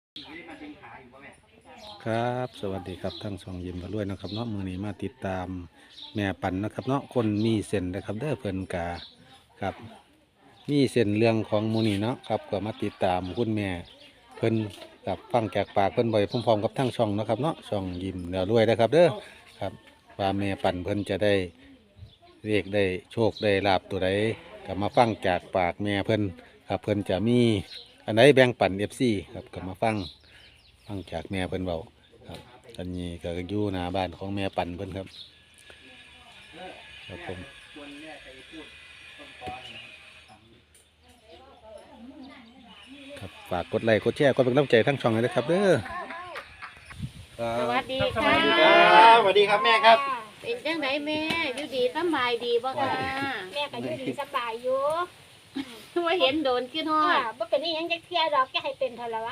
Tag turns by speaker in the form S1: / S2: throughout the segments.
S1: ครับสวัสดีครับทั้งสองยิมมาด้วยนะครับเนาะมือนี้มาติดตามแม่ปันนะครับเนาะคนมีเส้นนะครับเด้อเพิ่นกาครับมีเส้นเรื่องของมูนี่เนาะครับก็มาติดตามคุณแม่เพิ่นกับฟังจากปากเพิ่นบ่อยพร้อมๆกับทั้งช่องนะครับเนาะช่องยิมแล้วด้วยนะครับเด้อครับว่าแม่ปันเพิ่นจะได้เรียกได้โชคได้ลาบตัวใดก็มาฟังจากปากแม่เพิ่นครับเพิ่นจะมีอันไหนแบ่งปัน FC ครับก็มาฟังจากแม่เพิ่นเบาครับอันนี้ก็อยู่หน้าบ้านของแม่ปันเพิ่นครับครับผมครับฝากกดไลค์กดแชร์กดเป็นกำลังใจทั้งช่องเลยนะครับเด้อครั
S2: สวั
S1: บ
S2: สดี
S3: ส
S2: ค่ะ
S3: วัสดีครับสวัสดีครับแม่ครับ
S2: เป็นจังไดแม่อยู่ดีสำบายดีบ่ค่ะ
S4: แม่ก็อยู่ดีสบายอยู่
S2: ว่าเห็นโดนขึ้นฮอด
S4: บ่เป็นอีหยังจักเที่ยดอกแกให้เป็นเท่าละวะ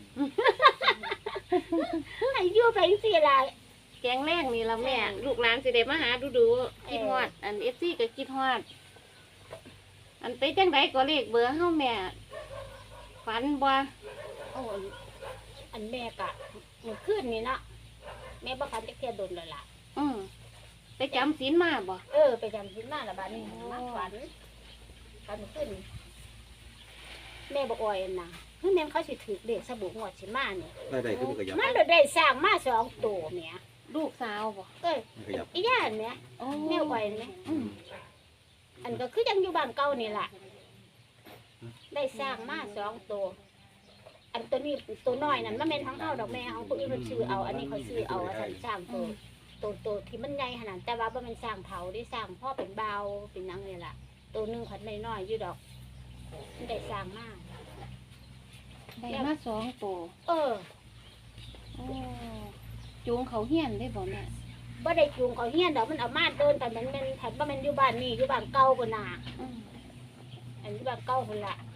S4: ให้อยู่ไปจังซี่ล่ะ
S2: แกงแรกนี่ละแม่ ลูกหลานสิได้มาหาดูๆคิดฮอด อัน FC ก็คิดฮอด อันไปจังไดก็เลขเบอร์เฮาแม่ ฝันบ่
S4: โอ้ยอันแม่ก็มื้อคืนนี่เนาะแม่บ่ฝันจักเที่ยดนแล้วล่ะ
S2: ไปจำศีลมาบ่
S4: ไปจำศีลมาแล้วบัดนี้มาฝันมื้อคืนนี่แม่บ่อ่อยน่ะคือแม่นเขาสิถูกเลขสบู่งวดสิมานี่
S1: ได้ขึ้นขยับ
S4: มันได้สร้างมา2ตัวแหม
S2: ลูกสาวบ่
S1: ขยับ
S4: อีย่านแหม
S2: โอ้
S4: แม่อ่อยแหม
S2: อืม
S4: อันก็คือยังอยู่บ้านเก่านี่ล่ะได้สร้างมา2ตัว อันตัวนี้ตัวน้อยนั่นมันเป็นทั้งเฮาดอกแม่ของผู้อื่นมันซื้อเอาอันนี้เขาซื้อเอาอันสร้างตัวที่มันใหญ่ขนาดแต่ว่าบ่แม่นสร้างเผาได้สร้างพ่อเป็นเบาเป็นหยังนี่ล่ะตัวหนึงขันน้อยๆอยู่ดอกมันได้สร้างมา
S2: ได้มา2ตัว
S4: เออ
S2: โอ้จูงเขาเฮียนได้บ่แม่
S4: บ่ได้จูงเขาเฮียนดอกมันเอามาเดินแต่มันเป็นถัดบ่แม่นอยู่บ้านนี่อยู่บ้านเก่าพุ่นน่ะ
S2: อืม
S4: อันอยู่บ้านเก่าพุ่นล่ะ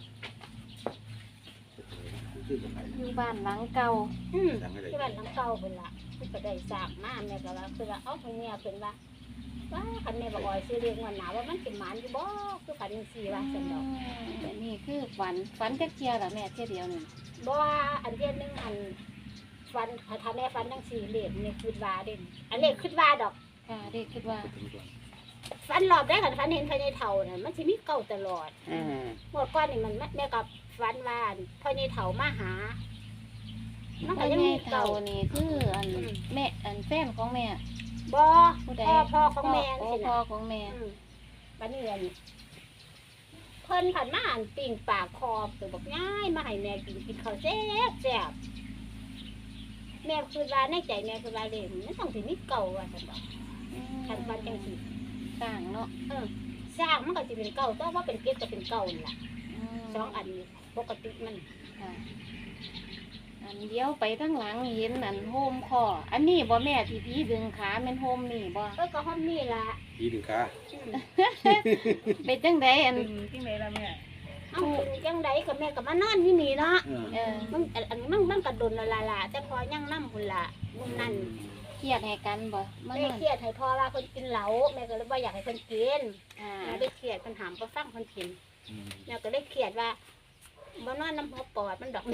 S2: อยู่บ้านหลังเก่า
S4: ที่บ้านหลังเก่าพุ่นล่ะมันก็ได้สร้างมาแม่ก็ว่าคือว่าเอ้าเพิ่นเนี่ยเพิ่นว่าคันแม่บ่อ่อยซื้อเรียกว่าหนาว่ามันสิหมานอยู่บ่คือคันจังซี่ว่าซั่นดอก
S2: อันนี้คือฝันจักเที่ยล่ะแม่เที่ยเดียวนี่
S4: บ่ว่าอันเดียวนึงอันฟันถ้าแม่ฟันจังซี่เลขนี่คิดว่าเด่นอันเลขคิดว่าดอก
S2: ค่ะเด็กคิดว่า
S4: ฟันรอบได้คันฟันเห็นภายในเฒ่าน่ะมันสิมีเก่าตลอดหมดก่อนนี่มันแม่กับฟันว่าภายในเฒ่ามาหามัน
S2: พ่
S4: ก็
S2: อ
S4: ยัง
S2: แม่
S4: มี
S2: เก่า
S4: เก่า
S2: นี่คืออันแม่อันแฟนของแม่
S4: บ่
S2: ผู้ใด
S4: พ่อของแม่
S2: พ่
S4: สิ
S2: พ่อ
S4: นะ
S2: ของแม่
S4: บัดนี้อันเพิ่นผันมาอันปิ่งปากคอไปบอกง่ายมาให้แม่กินข้าวแซ่บแซ่บแม่คือว่าในใจแม่คือว่าเลยมันต้องสิมีเก่าว่าซั่นดอกคันฟันจังซี่
S2: ต่างเนาะ
S4: สร้างมันก็จะเป็นเก่าแต่ว่าเป็นเกล็ดก็เป็นเก่านั่นล่ะ
S2: ม
S4: สองอันนี้ปกติมัน
S2: ค่ะอันเดียวไปทั้งหลังเห็นอันโฮมคออันนี้บ่แม่ที่พี่ดึงขาแม่นโฮมนี่บ่
S4: ก็ห้องนี่ล่ะ
S1: ยีดึงขา
S2: เป็นจังไดอัน
S3: ที่ไหนล่ะแม่
S4: เอ้าจังไดก็แม่ก็มานอนที่นี่เนาะ
S2: เออ
S4: มันกระดนละแต่พอยังนำพุ่นล่ะมุ่นนั่น
S2: เครียดให้กันบ่มา
S4: แม่
S2: นั่น
S4: เครียดให้พ่อว่าเพิ่นกินเหล้าแม่ก็เลยบ่อยากให้เพิ่นกิน
S2: อ่า
S4: แม่ได้เครียดเพิ่นถามเพิ่นฟังเพิ่นกินแม่ก็เลยเครียดว่าบ่นอนน้ำหัวปอดมันดอก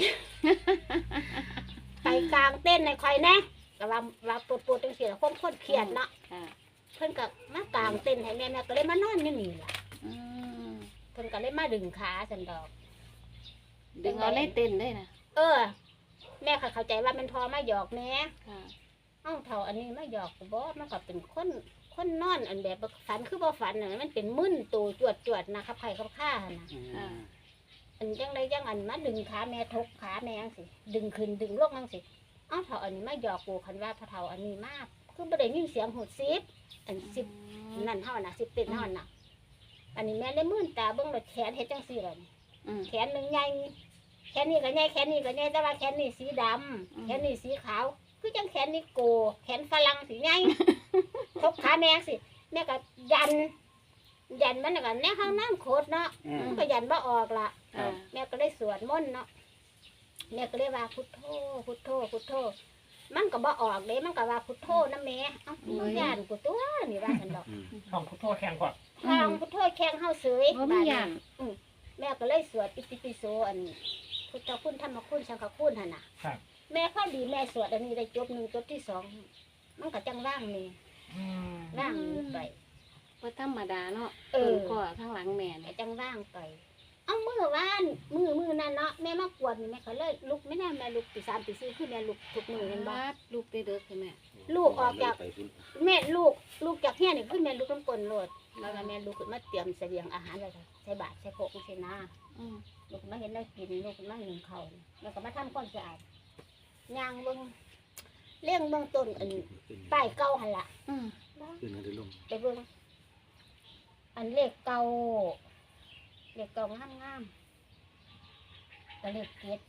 S4: ไปกลางเต้นในคอยแน่ก็ว่าปวดจังซี่ล่ะคนเครียดเนาะ
S2: ค่ะ
S4: เพิ่นก็มากลางเต้นให้แม่ก็เลยมานอนอยู่นี่ล่ะ
S2: อืม
S4: เพิ่นก็เลยมาดึงขาซั่นดอก
S2: ดึงเอาเลยเต้นเลยนะ
S4: แม่ก็เข้าใจว่ามันพอมาหยอกแม่
S2: ค่ะ
S4: เอ้าเท่าอันนี้มาหยอกบ่มันก็เป็นคนนอนอันแบบฝันคือบ่ฝันน่ะมันเป็นมึนตัวจวดๆนะครับไข่กับข้าน่ะ
S2: อ่า
S4: อันจังไดจังอันมาดึงขาแม่ทกขาแม่จังสิดึงขึ้นดึงลงจังสิเอ้าเท่าอันนี้มาหยอกกูคันว่าพะเท่าอันนี้มากคือบ่ได้ยินเสียงหูดซิบอันซิบนั่นเฮาน่ะซิบเป็นเฮาน่ะ อันนี้แม่เลยมื่นตาเบิ่งแล้วแขนเฮ็ดจังซี่ล่ะนี่
S2: อืม
S4: แขนหนึงใหญ่แขนนี้ก็ใหญ่แขนนี้ก็ใหญ่แต่ว่าแขนนี้สีดำแขนนี้สีขาวคือจังแขนนี้โกแขนฝรั่งสีใหญ่ ทกขาแม่สิแม่ก็ยันมันน่ะก็แน่ข้างน้ำโคตรเนาะมันก็ยันบ่ออกล่ะ
S2: อ่า
S4: แม่ก็เลยสวดมนต์เนาะแม่ก็เลยว่าพุทโธพุทโธพุทโธมันก็บ่ออกเด้มันก็ว่าพุทโธนะแม่เอ้ามึงย่านกูตัวนี่ว่าซั่นดอก
S3: ห้องพุทโธแข่งก่อน
S4: ทางพุทโธแข้งเฮาเสย
S2: บ่มีหยัง
S4: แม่ก็เลยสวดอิติปิโสอันพุทธคุณธรรมคุณสังฆคุณหั่นน่ะ
S3: ครับ
S4: แม่ข้อดีแม่สวดอันนี้ได้จบ1จบที่2มันก็จังว่างนี่
S3: อืม
S4: ว่างไป
S2: ว่าธรรมดาเนาะ
S4: เออ
S2: ก็ข้างหลังแม่
S4: ก็
S2: เนี่ย
S4: จังว่างไปเอามื้อวานมื้อนั้นเนาะแม่มากวนนี่แม่ก็เลยลุกไม่ได้แม่ลุกตี3ตี4คือแม่ลุกทุกมื้อแม่นบ่
S2: บาดลูกได้เด้อคือแม่
S4: ลูกออกจากแม่ลูกจากเฮียนี่คือแม่ลุกน้ำกลนโลดแล้วก็แม่ลุกขึ้นมาเตรียมเสบียงอาหารไว้ค่ะใส่บาตรใส่โคกใส่นา
S2: อืม
S4: ลูกมาเห็นได้กินลูกมาหนึ่งเขาวแล้วก็มาทำความสะอาดย่างเบิ่งเลี้ยงเบิ่งต้นอันป้ายเก่าหั่นล่ะ
S2: อืม
S1: ขึ้นมาได้ลง
S4: ไปเบิ่งอันเลขเก่างามๆก็เลขเจ็ด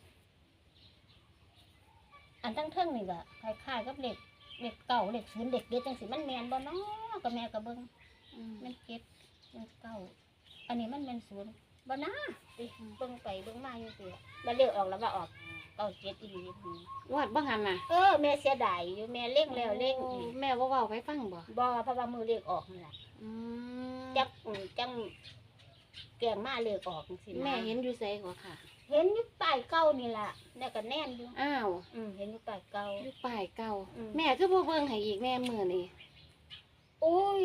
S4: อันทั้งเทิงนี่ก็คล้ายๆกับเลขเก่าเลขศูนย์เลขเจ็ดจังสิมันแม่นบ่เนาะก็แม่ก็เบิ่ง
S2: อืม
S4: มันเจ็ดมันเก่าอันนี้มันแม่นศูนย์บ่นะสิเบิ่งไปเบิ่งมาอยู่สิแล้วเลขออกแล้วว่าออกเก้าเจ็ดอีหลี
S2: วาดบ่หันน่ะ
S4: แม่เสียดายอยู่แม่เล่งแล้วเล่งอีก
S2: แม่บ่เว้าให้ฟังบ่
S4: บ่เพราะว่ามือเลขออกนั่นล่ะ
S2: อืม
S4: จังแกงมาเลขออกจังซี่นะ
S2: แม่เห็นอยู่ไสก็ค่ะ
S4: เห็นอยู่ป้ายเก่านี่ล่ะแม่ก็แน่นอยู่
S2: อ้าว
S4: เห็นอยู่ป้ายเก่า
S2: อยู่ป้ายเก่า
S4: อืม
S2: แม่คือบ่เบิ่งให้อีกแม่มื้อนี้
S4: โอ้ย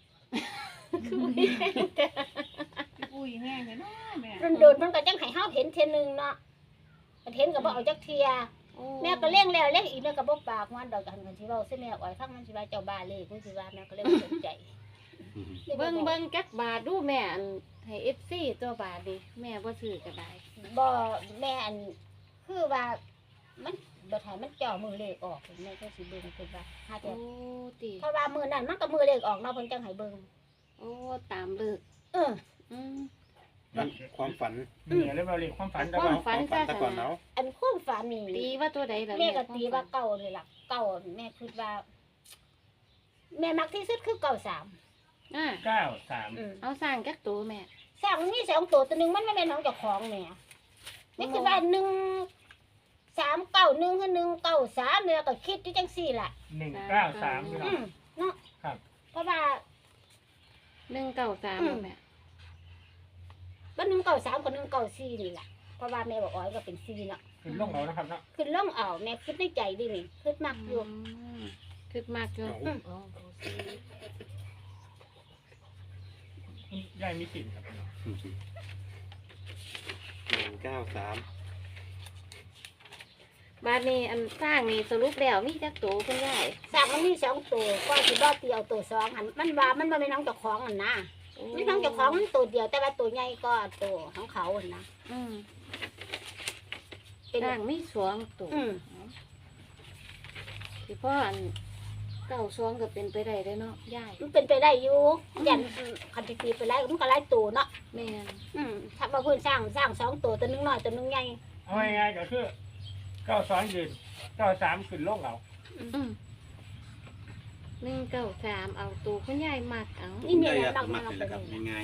S3: อุ้ยแง่เลยเนาะแม่
S4: โดนๆมันก็จังให้เฮาเห็นเทื่อนึงเนาะมันเห็นก็บ่เอาจักเที่ย
S2: โอ้
S4: แม่ก็เล่งแล้วเล่งอีกแม่ก็บ่ปากมันดอกกันสิเว้าซิแม่อ้อยฟังมันสิว่าเจ้าบ้าเลขมันสิว่าแม่ก็เลยบ่สนใจ
S2: เบิ่งจักบาทดูแม่อันให้ FC ตัวบาทดิแม่บ่ซื้อก็ได้
S4: บ่แม่อันคือว่ามันบ่ทันมันจ่อมือเลขออกแม่ก็สิเบิ่งคือว่าหาแต่
S2: โอ้ติ
S4: เพราะว่ามือนั้นมันก็มือเลขออกเนาะเพิ่นจังให้เบิ่ง
S2: โอ้ตามเลิก
S4: เออ
S2: อืม
S1: ความฝัน
S3: เนี่ยเรียกว่าเรียกความฝันแต่
S2: ควา
S3: ว่าม
S2: ฝันซะ
S1: ตะก่อนเนาะ
S4: อันความฝันนี่
S2: ตีว่าตัวใดล่ะ
S4: แม่ก็
S2: คว
S4: ตี
S2: ฝั
S4: ว่าน เก่าเลยล่ะเก่าแม่คิดว่า แม่มักที่สุดคือเก่า3
S2: อ่า
S3: 93
S2: เอาสร้างจักตัวแม่
S4: สร้างมันมี2ตัวนึงมันไม่แม่นของเจ้าของแม่นี่คือว่า1 3 9 1คือ1 9 3เนี่ยก็คิดอยู่จังซี่ล่ะ
S3: 193พี่น้อง
S4: เนาะ
S3: ครับ
S4: เพราะว่า
S2: 193บ่แม่
S4: บ่193กับ194นี่ล่ะเพราะว่าแม่บอกอ๋อยก็เป็น4เนาะ
S3: คือลงเอานะครับเนาะ
S4: ขึ้นล่องเอาแม่คิดในใจดินี่คิดมากอยู่
S2: คือมากอยู่
S3: ยายมีสิทธิ์ครับพี่น้อง
S1: 193
S2: บาดนี้อันสร้างนี่สรุปแล้วมีจักตัวคุณยาย
S4: สร้างมันมี2ตัวก็สิบ่เตียวตัว2หันมันว่ามันบ่แม่นของเจ้าของนั่นนะมันของเจ้าของมันตัวเดียวแต่ว่าตัวใหญ่ก็ตัวของเขาหั่นนะ
S2: อืม
S4: เป็น
S2: สร้างมี2ตัว สิพ่ออัน92ก็เป็นไปได้เด้อเนาะยาย
S4: มันเป็นไปได้อยู่ยันคันสิตีไปแล้วมันก็หลายตัวเนาะ
S2: แม่น
S4: ถ้าว่าเพิ่นสร้าง2ตัวตัวหนึงน้อยตัวหนึงใหญ่
S3: เอาง่ายๆก็คือ92ยืน93ขึ้นลงเอา
S2: อืม193เอาตัวคุณยายมักเอา
S4: นี่เนี่ย
S1: อยาก
S4: มัก
S1: มัก
S4: มา
S1: เลย
S4: ไป
S1: ครับ
S4: เลย
S1: ง่าย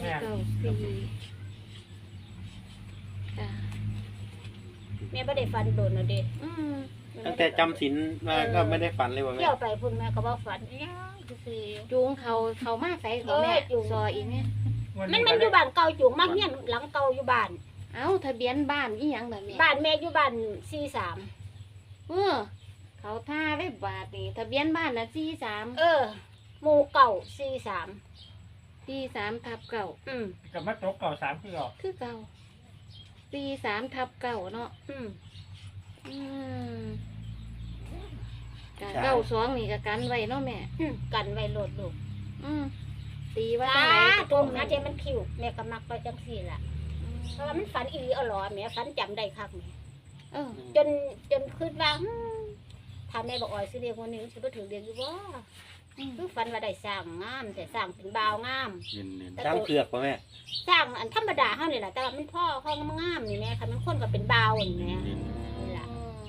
S2: 194จ้ะ
S4: แม่บ่ได้ฟันโดนเอาเด้
S2: อืม
S1: ๆตั้งแต่จำศีลมาก็ไม่ได้ฝันเลยว่าแม่
S4: เที่ยวไปพุ่นแม่ก็บ่ฝันอิหยังซื่อ
S2: จูงเขามาใส่ของแม่
S4: จูง
S2: ซออีกเนี่ย
S3: วัน
S4: ๆมั
S3: นี้
S4: น
S3: ก็
S4: อยู่
S3: ได้
S4: บ้านเก่าจุงมาเฮียนหลังเก่าอยู่บ้าน
S2: เอาทะเบียนบ้านอีหยังแบบนี้
S4: บ้านแม่อยู่บ้าน43
S2: เออเขาท่าไว้บาทนี่ทะเบียนบ้านนะ43
S4: หมู่เก่า43
S2: 43/9
S3: กับมาตก93คือเอา
S2: คือเก่า43/9เนาะ
S4: อืม
S2: อืมกะ92นี่ก็กันไว้เนาะแม่
S4: กันไว้โลดลูก
S2: อืมตีว่า
S4: ตา
S2: จังได
S4: ตรงนะเจมันคิวแม่ก็มักไปจังซี่ล่ะเพราะว่ามันฝันอีหลีเอาหรอแม่ฝันจำได้คักแม่
S2: เออ
S4: จนคิดว่าถ้าแม่บอกอ่อยสิเรียกวันนี้มันสิบ่ถึงเรียกอยู่บ่
S2: อืม
S4: คือฝันว่าได้สร้างงามแต่สร้างเป็นบ่าวงาม
S1: เน้นๆช้างเผือกป่ะแม่
S4: สร้างอันธรรมดาเฮานี่แหละแต่ว่ามันพ่อเขางามนี่แม่คันมันคนก็เป็นบ่าวนี่แม่นี่ล่ะ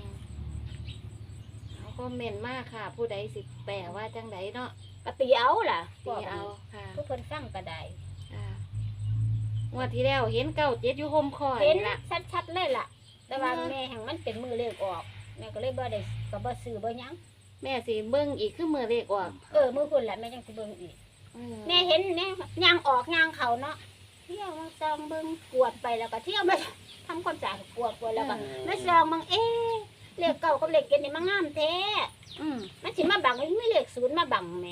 S2: เอาคอมเมนต์มาค่ะ ผู้ใดสิแปลว่าจังไดเนาะ
S4: ก็ตีเอาล่ะ
S2: ตีเอาค่ะ
S4: ทุกคนฟังก็ได้
S2: งวดที่แล้วเห็น97อยู่โฮมคอย
S4: เห็น
S2: ล่ะ
S4: ชัดๆเลยล่ะ แต่ว่า
S2: อืม
S4: แม่แห่งมันเป็นมือเลขออกแม่ก็เลยบ่ได้ก็บ่ซื้อบ่หยัง
S2: แม่สิเบิ่งอีกคือมือเลขออก
S4: มือพุ่นแหละแม่จังสิเบิ่งอีก
S2: อื
S4: แม่เห็นแม่ย่างออกย่างเขาเนาะเที่ยวมาซองเบิ่งกวดไปแล้วก็เที่ยวมาทำความสะอาดกวดแล้วก็มาซองเบิ่งเลขเก่ากับเลขเจ็ดนี่มันงามแท้
S2: อืม
S4: มันสิมาบังไม่เลขศูนย์มาบังแหม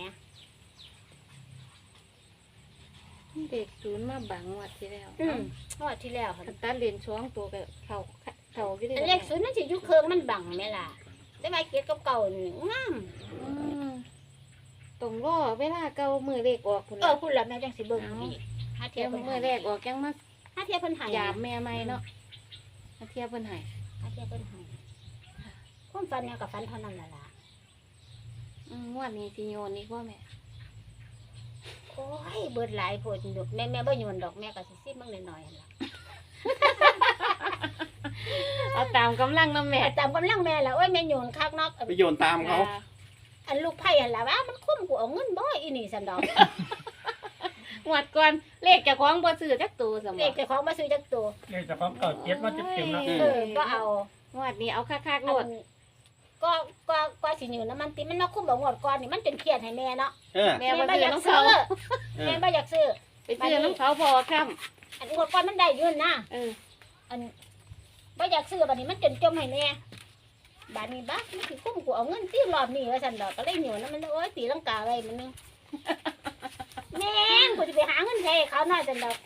S2: เด็กศูนย์มาบังวัดที่แล้ว
S4: งวดที่แล้วค่ะ
S2: คันตัดเลนช่วงตัวกับเขาอยู่ได้
S4: แต่เลขศูนย์มันสิอยู่เครื่องมันบังแม่ล่ะแต่ว่าเจ็ดกับเก่านี่งาม
S2: ตรงรอเวลาเก่ามือเลขออกพุ่น
S4: พูดแล้วแม่จังสิเบิ่งอีกหาเที
S2: เที
S4: ย
S2: ย
S4: บบ เพิ่น
S2: มือแรกออกยังมา
S4: หาเทียบเพิ่นให้
S2: หยาบแม่ใหม่เนาะมาเทียบเพิ่นให้
S4: หาเทียบเพิ่นให้ความฝันเนี่ยกับฝันเท่านั้นล่ะ
S2: งวดนี้สิโยนอีกว่าแม่
S4: โอ้ยเบิดหลายโพดดอกแม่บ่โยนดอกแม่ก็สิซิมึงน้อยๆหั่นล่ะ
S2: เอาตามกำลังน้ำแม่
S4: ตามกำลังแม่ล่ะโอ้ยแม่โยนคักเนาะ
S3: ไปโยนตามเขา
S4: อันลูกไผ่หั่นล่ะว่ามันคุ้มกูเอาเงินบ่อีนี่ซั่นดอก
S2: งวดก่อนเลขเจ้าของบ่ซื้อจักตัวสม
S4: เลขเจ้าของมาซื้อจักตัว
S3: เนี่ยจะของเก่าเจ็ดมาเต็มๆแล้ว
S4: ก็เอา
S2: งวดนี้เอาคักๆโลด
S4: ก็สิอยู่น้ำมันติมันเนาะคุ้มบ่งวดก่อนนี่มันจนเครียดให้แม่เนาะ
S2: แม่
S4: แม่
S2: บ่
S4: บ่
S2: ซื้
S4: อ
S2: อย
S4: าก
S2: น้อง
S4: ซื้
S2: เขา
S4: อแม่บ่อยากซื้อ
S2: ไปซื้อน้องเขาพอค่
S4: อันงวดก่อนมันได้อยืนนะ
S2: เออ
S4: อันบ่อยากซื้อบัดนี้มันจนจมให้แม่บัดนี้บักมันสิคุ้มกูเอาเงินตีรอบนี้ว่าซั่นดอกก็เลยอยู่นำมันโอ้ยตีลังกาไว้มันนึงแม่งกูสิไปหาเงินให้เขาหน่อยซั่นดอก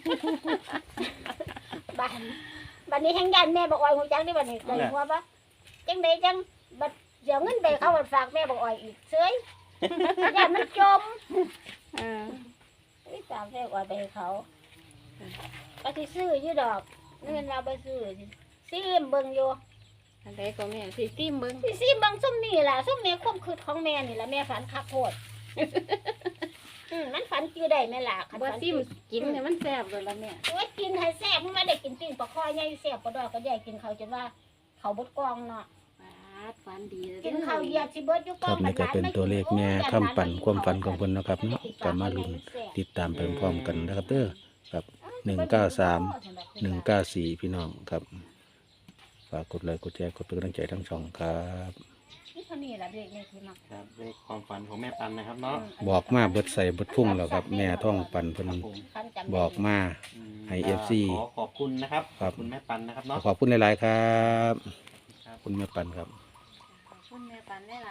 S4: บัดนี้แฮงยันแม่บอกอ้อยฮู้จักได้บัดนี้ก็หัวว่าจังไดจังบัดเดี๋ยวเงินไปเขาบัดฝากแม่บอกอ้อยอีกเฉยยันมันจม
S2: เออ
S4: ไม่ฝากแม่อ้อยไปให้เขาก็สิซื้ออยู่ดอกเงินเราไปซื้อซิมเบิ่งอยู่
S2: อันใดก็แม่สิซิมเบิ่ง
S4: สิเบิ่งซุ่มนี่ล่ะซุ่มนี่ความคิดของแม่นี่ล่ะแม่ฝันคักโพด มันฝันจื้อได้แม่ล่ะคัน
S2: บ่
S4: ฝัน
S2: ซิมกินเนี่ยมันแซ่บเลยล่ะแม่
S4: โอ้ยกินให้แซ่บมันไม่ได้กินปิ้งปลาคอใหญ่แซ่บปลาดอกก็ใหญ่กินเขาวจนว่าเขาบดกองเนาะ
S2: ปาดฝันดีเลย
S4: กินข้าวเหยียบสิเบิดอยู่ก
S1: ค
S4: อ
S1: รั
S4: ง
S1: บนี่ก็เป็นตัวเลขแม่คำปั่นความฝันของเพิ่นนะครับเนาะก็มาลุ้นติดตามไปพร้อมกันนะครับเด้อครับ193 194พี่น้องครับฝากกดไลค์กดแชร์กดเป็นกำลังใจทั้งช่องครับ
S4: นี่เท่านี้ล่ะเด็กนี่คือมัก
S5: ครับเลขความฝันของแม่ปันนะครับเนาะ
S1: บอกมาเบิดใส่เบิดพุ่งแล้วครับแม่ท่องปั่นเพิ่น
S5: ครับผม
S4: คันจำ
S1: บอกมา ให้ FC
S5: ขอขอบคุณนะครับ
S1: ครับ
S5: ขอบคุณแม่ปันนะครับเนาะ
S1: ขอบคุณหลายๆครับ
S5: ครับ
S1: คุณแม่ปั่นครับ
S2: ขอบคุณแม่ปันได้หลาย